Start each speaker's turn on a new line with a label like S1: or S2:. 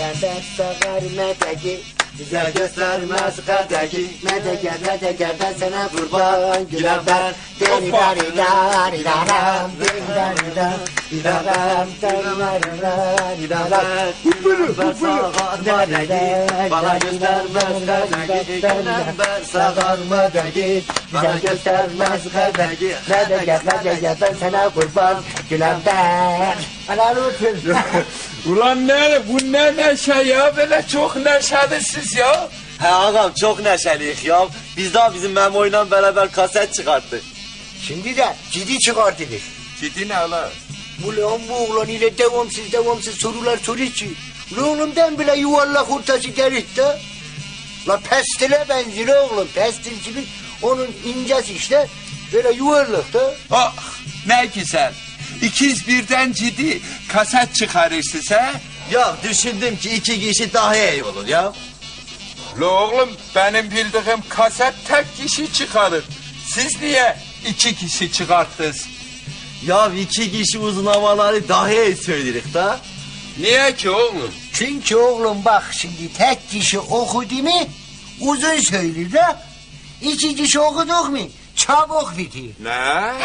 S1: Gülember sağar medeki, güzel göstermez kadeki. Medeger ben sana kurban. Gülember deri dari dari daram, deri dari dari daram, deri dari daram.
S2: Gülember sağar medeki, bana göstermez kadeki. Gülember sağar medeki,
S1: Güzel göstermez kadeki. Medeger ben sana kurban. Gülember. Helal olsun.
S3: Ulan bu ne neşe ya, böyle çok neşelisiniz ya.
S2: He ağam çok neşeliyiz ya. Biz daha bizim Memo'yla beraber kaset çıkarttık.
S1: Şimdi de ciddi çıkartılır.
S3: Ciddi ne lan?
S1: Ulan bu oğlan ile devamsız sorular soruyor ki. Oğlumdan bile yuvarlak ortası gelir de. La pestile benziyor oğlum. Pestil gibi onun incesi işte. Böyle yuvarlak da.
S3: Ah ne güzel. İkiz birden ciddi kaset çıkarırsınız ha?
S2: Ya düşündüm ki 2 kişi daha iyi olur ya.
S3: La oğlum benim bildiğim kaset tek kişi çıkarır. Siz niye 2 kişi çıkarttınız?
S2: Ya 2 kişi uzun havaları daha iyi söyleriz da.
S3: Niye ki oğlum?
S1: Çünkü oğlum bak şimdi tek kişi okudu mu uzun söyler de. 2 kişi okuduk mu çabuk bitir.
S3: Ne?